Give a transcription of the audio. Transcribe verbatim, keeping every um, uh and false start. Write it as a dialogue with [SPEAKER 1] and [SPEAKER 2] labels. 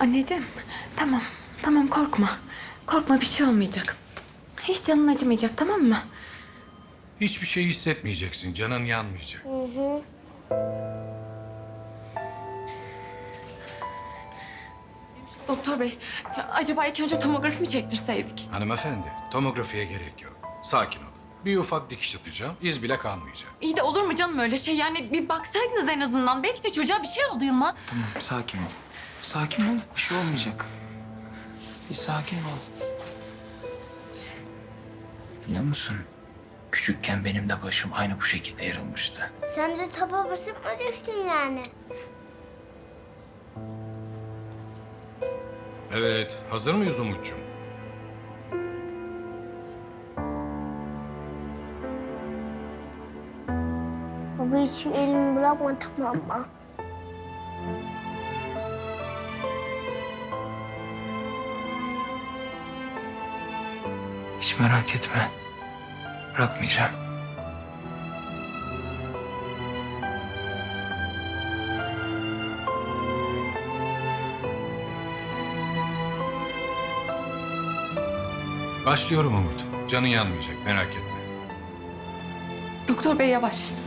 [SPEAKER 1] Anneciğim, tamam. Tamam korkma. Korkma bir şey olmayacak. Hiç canın acımayacak tamam mı?
[SPEAKER 2] Hiçbir şey hissetmeyeceksin, canın yanmayacak.
[SPEAKER 1] Doktor bey, ya acaba ilk önce tomografi mi çektirseydik?
[SPEAKER 2] Hanımefendi, tomografiye gerek yok. Sakin ol. Bir ufak dikiş atacağım, iz bile kalmayacak.
[SPEAKER 1] İyi de olur mu canım öyle şey? Yani bir baksaydınız en azından. Belki de çocuğa bir şey oldu Yılmaz.
[SPEAKER 3] Tamam, sakin ol. Sakin ol, bir şey olmayacak. Bir sakin ol. Biliyor musun? Küçükken benim de başım aynı bu şekilde yarılmıştı.
[SPEAKER 4] Sen de tapa basıp mı düştün yani?
[SPEAKER 2] Evet, hazır mıyız Umut'cum?
[SPEAKER 4] Baba hiç elimi bırakma tamam mı?
[SPEAKER 3] Hiç merak etme. Bırakmayacağım.
[SPEAKER 2] Başlıyorum Umut. Canın yanmayacak, merak etme.
[SPEAKER 1] Doktor bey yavaş.